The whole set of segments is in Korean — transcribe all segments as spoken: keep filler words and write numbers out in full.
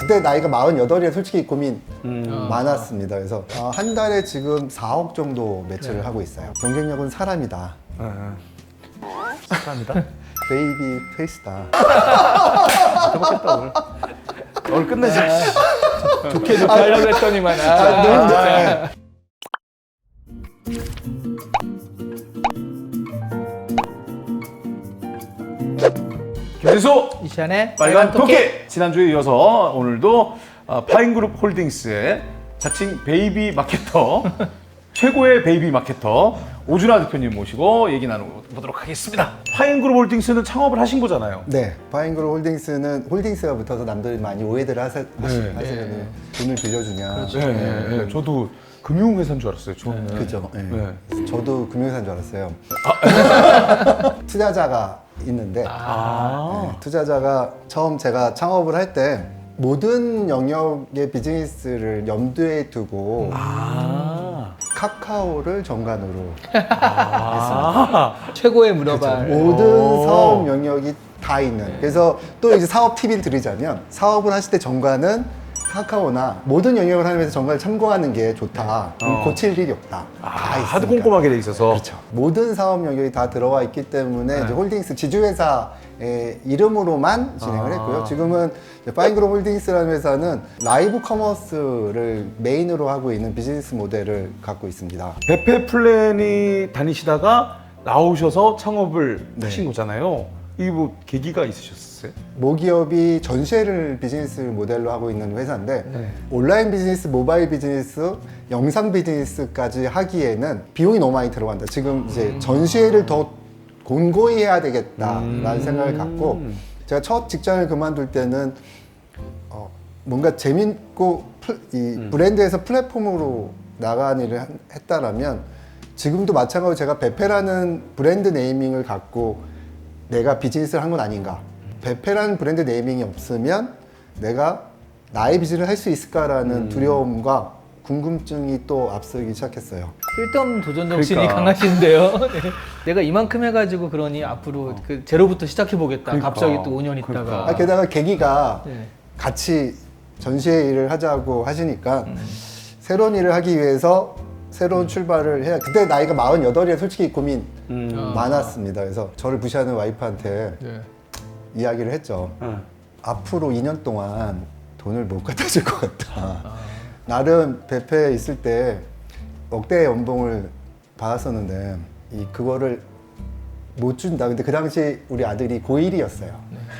그때 나이가 마흔여덟에 솔직히 고민 음. 많았습니다. 그래서 어, 한 달에 지금 사억 정도 매출을 네. 하고 있어요. 경쟁력은 사람이다. 네. 감사합니다. 베이비 페이스다. 해보겠다 오늘. 오늘 끝내자. 좋게 좋게 하려고 했더니만. 아, 아, 너무 좋네. 김진수 이시안의 빨간 토끼! 지난주에 이어서 오늘도 어, 파인그룹 홀딩스의 자칭 베이비 마케터 최고의 베이비 마케터 오준하 대표님 모시고 얘기 나눠보도록 하겠습니다. 파인그룹 홀딩스는 창업을 하신 거잖아요. 네, 파인그룹 홀딩스는 홀딩스가 붙어서 남들이 많이 오해들 하세, 하시, 네. 하시는 돈을 빌려주냐. 그렇죠. 네, 네, 네. 저도 금융회사인 줄 알았어요. 저는. 그죠. 네. 네. 저도 금융사인 줄 알았어요. 투자자가 있는데 아. 네, 투자자가 처음 제가 창업을 할 때 모든 영역의 비즈니스를 염두에 두고 아. 카카오를 정관으로 아. 최고의 문어발. 모든 오. 사업 영역이 다 있는. 그래서 또 이제 사업 팁을 드리자면 사업을 하실 때 정관은 카카오나 모든 영역을 하면서 정관을 참고하는 게 좋다. 어. 고칠 일이 없다. 아, 다 있으니까. 하도 꼼꼼하게 돼 있어서. 그렇죠. 모든 사업 영역이 다 들어와 있기 때문에 네. 이제 홀딩스 지주회사의 이름으로만 진행을 아. 했고요. 지금은 이제 파인그룹 홀딩스라는 회사는 라이브 커머스를 메인으로 하고 있는 비즈니스 모델을 갖고 있습니다. 배페 플랜이 다니시다가 나오셔서 창업을 네. 하신 거잖아요. 이게 뭐 계기가 있으셨어요? 모기업이 전시회를 비즈니스 모델로 하고 있는 회사인데 네. 온라인 비즈니스, 모바일 비즈니스, 영상 비즈니스까지 하기에는 비용이 너무 많이 들어간다. 지금 이제 전시회를 더 곤고히 해야 되겠다라는 음. 생각을 갖고 제가 첫 직장을 그만둘 때는 어, 뭔가 재밌고 플- 이 음. 브랜드에서 플랫폼으로 나가는 일을 한- 했다라면 지금도 마찬가지로 제가 베페라는 브랜드 네이밍을 갖고 내가 비즈니스를 한 건 아닌가. 베페라는 브랜드 네이밍이 없으면 내가 나의 비즈니스를 할 수 있을까라는 음. 두려움과 궁금증이 또 앞서기 시작했어요. 쓸데없는 도전 정신이 그러니까. 강하신데요. 네. 내가 이만큼 해가지고 그러니 앞으로 그 제로부터 시작해 보겠다. 그러니까. 갑자기 또 오 년 있다가. 그러니까. 아, 게다가 계기가 네. 같이 전시회 일을 하자고 하시니까 새로운 일을 하기 위해서 새로운 출발을 해야. 그때 나이가 마흔여덟에 솔직히 고민 음. 많았습니다. 그래서 저를 무시하는 와이프한테 네. 이야기를 했죠. 네. 앞으로 이 년 동안 돈을 못 갖다 줄 것 같다. 나름 베페에 있을 때 억대의 연봉을 받았었는데 이 그거를 못 준다. 근데 그 당시 우리 아들이 고일이었어요.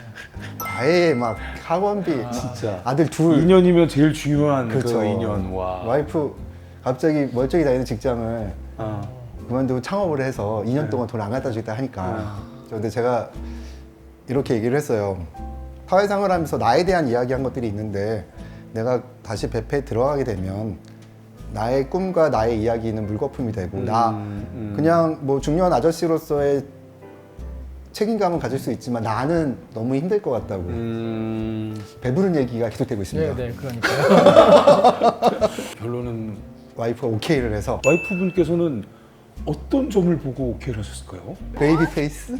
과외 막 학원비 진짜. 아들 둘. 이 년이면 제일 중요한 그렇죠. 그 이 년. 와. 와이프 갑자기 멀쩡히 다니는 직장을 어. 그만두고 창업을 해서 이 년 네. 동안 돈 안 갖다 주겠다 하니까. 근데 제가 이렇게 얘기를 했어요. 사회생활 하면서 나에 대한 이야기한 것들이 있는데 내가 다시 베페에 들어가게 되면 나의 꿈과 나의 이야기는 물거품이 되고 나 음. 그냥 뭐 중요한 아저씨로서의 책임감은 가질 수 있지만 나는 너무 힘들 것 같다고. 음. 배부른 얘기가 계속되고 있습니다. 네, 네, 그러니까요. 결론은 와이프가 오케이를 해서 와이프분께서는 어떤 점을 보고 오케이를 하셨을까요? 베이비 페이스?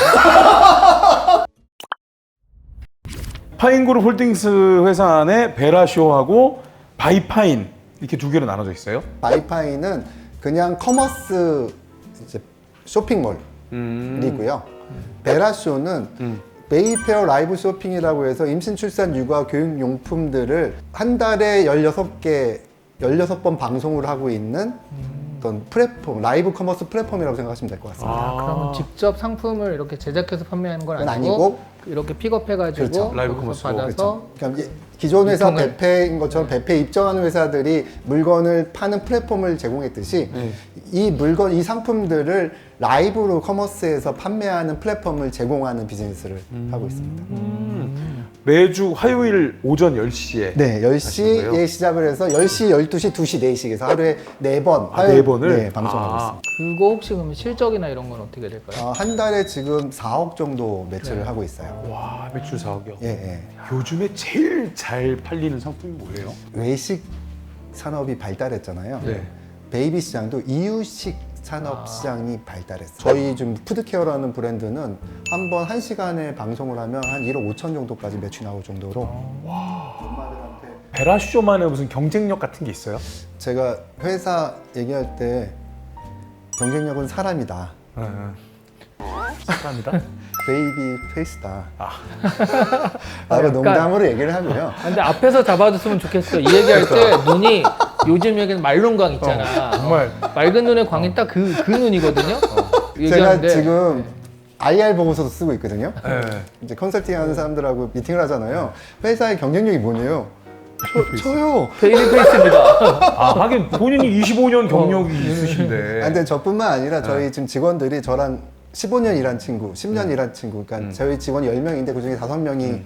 파인그룹 홀딩스 회사 안에 베라쇼하고 바이파인 이렇게 두 개로 나눠져 있어요. 바이파이는 그냥 커머스 이제 쇼핑몰이고요. 음. 베라쇼는 음. 베이페어 라이브 쇼핑이라고 해서 임신, 출산, 육아, 교육 용품들을 한 달에 열여섯 개, 열여섯 번 방송을 하고 있는 어떤 플랫폼, 라이브 커머스 플랫폼이라고 생각하시면 될 것 같습니다. 아, 그러면 직접 상품을 이렇게 제작해서 판매하는 건 그건 아니고, 아니고 이렇게 픽업해가지고 그렇죠. 라이브 거기서 커머스로. 받아서 그러니까 이- 기존 회사 유통을- 베페인 것처럼 베페에 입점하는 회사들이 물건을 파는 플랫폼을 제공했듯이 네. 이 물건, 이 상품들을 라이브로 커머스에서 판매하는 플랫폼을 제공하는 비즈니스를 하고 있습니다. 음. 매주 화요일 오전 열 시에 네, 열 하시는 시에 거예요? 시작을 해서 열 시, 열두 시, 두 시, 네 시 해서 하루에 네 번, 아, 네 번을? 네, 방송하고 아. 있습니다. 그거 혹시 그러면 실적이나 이런 건 어떻게 될까요? 어, 한 달에 지금 사억 정도 매출을 네. 하고 있어요. 와, 매출 사억이요. 예, 예. 요즘에 제일 잘 팔리는 상품이 뭐예요? 외식 산업이 발달했잖아요. 네. 베이비 시장도 이유식 산업 시장이 발달했어요. 저희 지금 푸드케어라는 브랜드는 한 번 한 시간에 방송을 하면 한 일억 오천 정도까지 매출이 나올 정도로. 베라쇼만의 무슨 경쟁력 같은 게 있어요? 제가 회사 얘기할 때 경쟁력은 사람이다. 네, 네. 사람이다. 베이비 페이스다. 아. 라고 약간- 농담으로 얘기를 하고요. 아, 근데 앞에서 잡아줬으면 좋겠어. 이 얘기할 때 눈이 요즘 얘기는 말론광 있잖아. 어, 정말. 어, 맑은 눈의 광이 딱 그 그 눈이거든요. 제가 얘기하는데 지금 아이알 보고서도 쓰고 있거든요. 네. 이제 컨설팅 하는 사람들하고 미팅을 하잖아요. 회사의 경쟁력이 뭐냐요? 저, 저요. 베이비 페이스입니다. 아, 하긴 본인이 이십오 년 경력이 있으신데. 아, 근데 저뿐만 아니라 저희 네. 지금 직원들이 저랑 십오 년 일한 친구, 십 년 음. 일한 친구, 그러니까 음. 저희 직원이 열 명인데 그중에 다섯 명이 음.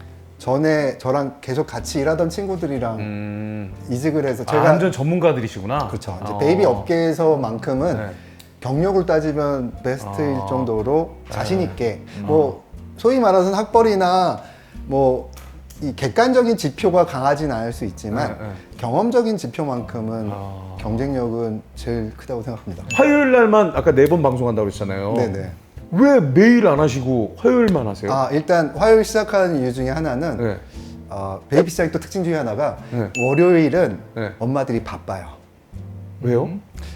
전에 저랑 계속 같이 일하던 친구들이랑 음. 이직을 해서 아, 제가 완전 전문가들이시구나. 그렇죠. 이제 어. 베이비 업계에서만큼은 네. 경력을 따지면 베스트일 아. 정도로 자신 있게 음. 뭐 소위 말하는 학벌이나 뭐 이 객관적인 지표가 강하진 않을 수 있지만 네, 네. 경험적인 지표만큼은 아. 경쟁력은 제일 크다고 생각합니다. 화요일 날만 아까 네 번 방송한다고 그랬잖아요. 네네. 왜 매일 안 하시고 화요일만 하세요? 아 일단 화요일 시작하는 이유 중에 하나는 네. 어, 베이비 시장의 또 특징 중에 하나가 네. 월요일은 네. 엄마들이 바빠요. 왜요?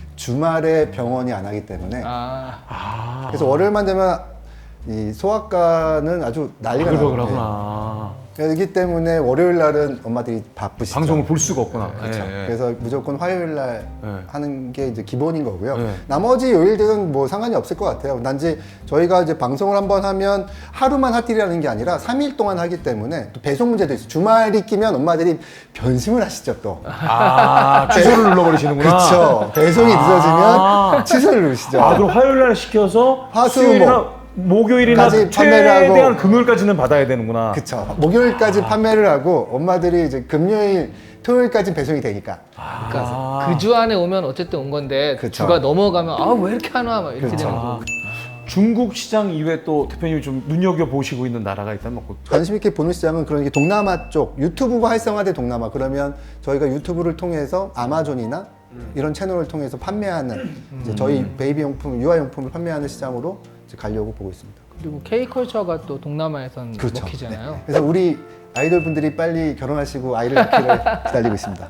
주말에 병원이 안 하기 때문에 아, 아. 그래서 월요일만 되면 이 소아과는 아주 난리가 나요. 그러구나. 그렇기 때문에 월요일 날은 엄마들이 바쁘시죠. 방송을 볼 수가 없구나. 그렇죠. 네, 네. 그래서 무조건 화요일 날 네. 하는 게 이제 기본인 거고요. 네. 나머지 요일들은 뭐 상관이 없을 것 같아요. 단지 저희가 이제 방송을 한번 하면 하루만 핫딜이라는 게 아니라 삼 일 동안 하기 때문에 또 배송 문제도 있어요. 주말이 끼면 엄마들이 변심을 하시죠 또. 아, 취소를 눌러버리시는구나. 그렇죠. 배송이 아. 늦어지면 취소를 누르시죠. 아, 그럼 화요일 날 시켜서 화수, 수요일이나 목요일이나 까지 판매를 하고. 최대한 금요일까지는 받아야 되는구나. 그쵸. 목요일까지 판매를 하고 엄마들이 이제 금요일, 토요일까지 배송이 되니까. 그러니까 아. 그 주 안에 오면 어쨌든 온 건데 그쵸. 주가 넘어가면 아 왜 이렇게 하나 막 이렇게 그쵸. 되는 아, 거. 중국 시장 이외에 또 대표님이 좀 눈여겨 보시고 있는 나라가 있다면 뭐 관심 있게 보는 시장은 그런 게 동남아 쪽, 유튜브가 활성화된 동남아. 그러면 저희가 유튜브를 통해서 아마존이나 이런 채널을 통해서 판매하는 이제 저희 베이비 용품, 유아 용품을 판매하는 시장으로 이제 가려고 보고 있습니다. 그리고 K컬처가 또 동남아에선 그렇죠. 먹히잖아요. 그래서 우리 아이돌 분들이 빨리 결혼하시고 아이를 낳기를 기다리고 있습니다.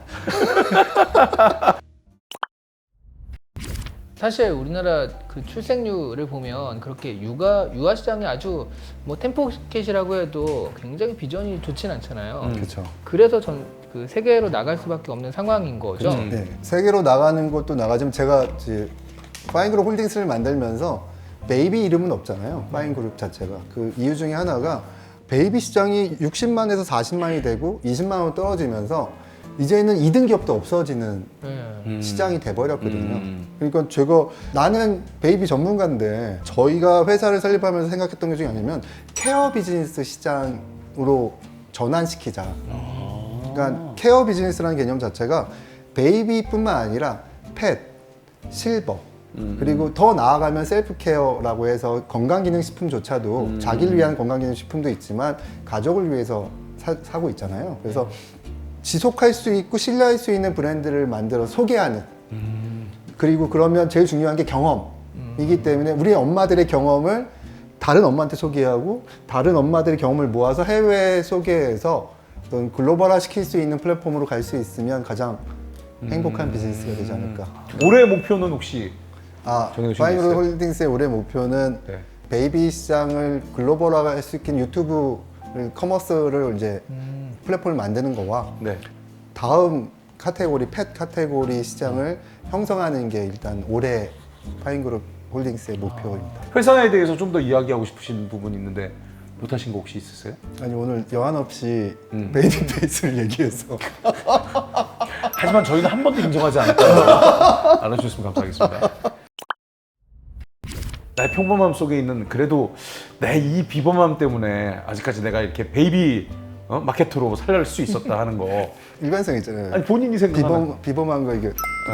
사실 우리나라 그 출생률을 보면 그렇게 육아 유아 시장이 아주 뭐 템포켓이라고 해도 굉장히 비전이 좋진 않잖아요. 음. 그렇죠. 그래서 전 그 세계로 나갈 수밖에 없는 상황인 거죠. 그렇죠. 네, 세계로 나가는 것도 나가지만 제가 이제 파인그룹 홀딩스를 만들면서 베이비 이름은 없잖아요. 파인그룹 자체가. 그 이유 중에 하나가 베이비 시장이 육십만에서 사십만이 되고 이십만 원 떨어지면서 이제는 이 등 기업도 없어지는 네. 음. 시장이 돼버렸거든요. 음. 그러니까 제가 나는 베이비 전문가인데 저희가 회사를 설립하면서 생각했던 게 중에 하나면 케어 비즈니스 시장으로 전환시키자. 그러니까 케어 비즈니스라는 개념 자체가 베이비뿐만 아니라 펫, 실버, 음. 그리고 더 나아가면 셀프 케어라고 해서 건강기능식품조차도 음. 자기를 위한 건강기능식품도 있지만 가족을 위해서 사, 사고 있잖아요. 그래서 지속할 수 있고 신뢰할 수 있는 브랜드를 만들어 소개하는. 음. 그리고 그러면 제일 중요한 게 경험이기 때문에 우리 엄마들의 경험을 다른 엄마한테 소개하고 다른 엄마들의 경험을 모아서 해외에 소개해서 어떤 글로벌화 시킬 수 있는 플랫폼으로 갈 수 있으면 가장 행복한 음. 비즈니스가 되지 않을까. 올해 목표는 혹시 아, 정해두신 게 파인그룹 있어요? 홀딩스의 올해 목표는 네. 베이비 시장을 글로벌화 할 수 있는 유튜브를 커머스를 이제 음. 플랫폼을 만드는 거와 네. 다음 카테고리 펫 카테고리 시장을 형성하는 게 일단 올해 파인그룹 홀딩스의 목표입니다. 회사에 대해서 좀 더 이야기하고 싶으신 부분 있는데 못하신 거 혹시 있으세요? 아니 오늘 여한 없이 음. 베이비 페이스를 얘기해서 하지만 저희는 한 번도 인정하지 않을까요? 알아주셨으면 감사하겠습니다. 나의 평범함 속에 있는 그래도 내 이 비범함 때문에 아직까지 내가 이렇게 베이비 어? 마케터로 살릴 수 있었다 하는 거. 일관성 있잖아요. 아니 본인이 생각하는 비범 비범한 거 이게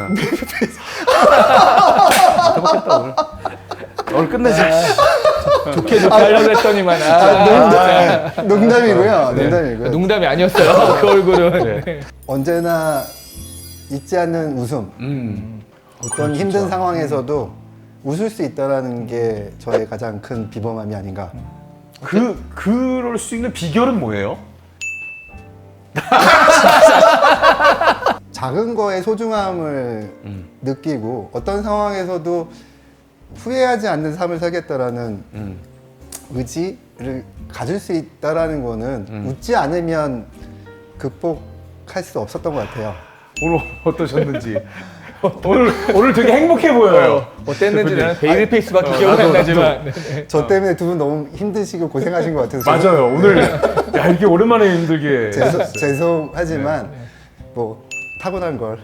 해먹겠다 오늘. 오늘 끝내자. 좋게 좋게 하려고 했더니만 아, 아, 농담, 농담이고요. 네. 농담이고요. 농담이 아니었어요. 그 얼굴은. 네. 언제나 잊지 않는 웃음. 음. 어떤 힘든 상황에서도 웃을 수 있다라는 게 저의 가장 큰 비범함이 아닌가. 그 그럴 수 있는 비결은 뭐예요? 작은 거의 소중함을 음. 느끼고 어떤 상황에서도 후회하지 않는 삶을 살겠다라는 음. 의지를 가질 수 있다라는 거는 음. 웃지 않으면 극복할 수 없었던 것 같아요. 오늘 어떠셨는지. 오늘 오늘 되게 행복해 보여요. 어땠는지 대표님. 나는 베이비 페이스밖에 기억이 안 나지만 네, 네. 저 때문에 두 분 너무 힘드시고 고생하신 것 같아서 맞아요. 오늘 야 이게 오랜만에 힘들게. 죄송, 죄송하지만 네, 뭐 타고난 걸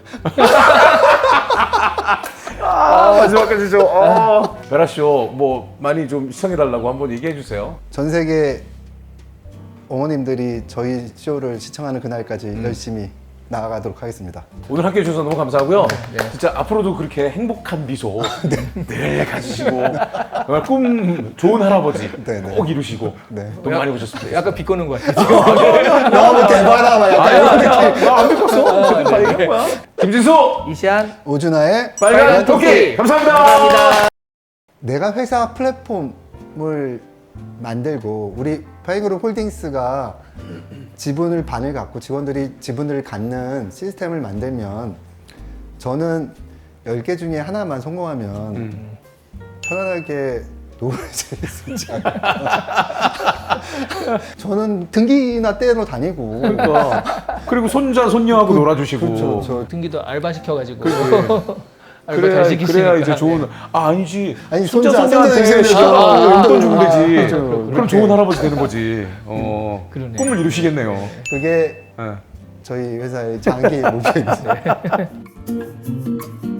아, 마지막까지 좀. 어. 베라 쇼뭐 많이 좀 시청해 달라고 한번 얘기해 주세요. 전 세계 어머님들이 저희 쇼를 시청하는 그날까지 음. 열심히 나아가도록 하겠습니다. 오늘 함께 해주셔서 너무 감사하고요. 진짜 앞으로도 그렇게 행복한 미소 늘 가지시고 정말 꿈 좋은 할아버지 네, 네. 꼭 이루시고 네. 너무 많이 보셨습니다. 약간 비꼬는 것 같아 지금. 너무 대단하다 막 약간 이런 느낌. 나안 믿었어. 다 얘기한 거야. 김진수 이시안 오준하의 빨간 토끼 감사합니다. 감사합니다. 내가 회사 플랫폼을 만들고 우리 파이그룹 홀딩스가 지분을 반을 갖고 직원들이 지분을 갖는 시스템을 만들면 저는 열 개 중에 하나만 성공하면 음. 편안하게 노후를 즐길 수 있지 않을까. 저는 등기나 떼러 다니고 그러니까 그리고 손자 손녀하고 놀아주시고. 그렇죠. 저 등기도 알바 시켜가지고 알바 그래야, 잘 시키시니까. 그래야 이제 좋은 아 아니지 아니, 손자 손자, 손자한테 손자 이렇게 생기고. 아, 용돈 주면 아, 되지. 그렇죠. 그럼 그렇게. 좋은 할아버지 되는 거지. 어 그러네. 꿈을 이루시겠네요. 그게 네. 저희 회사의 장기 목표입니다.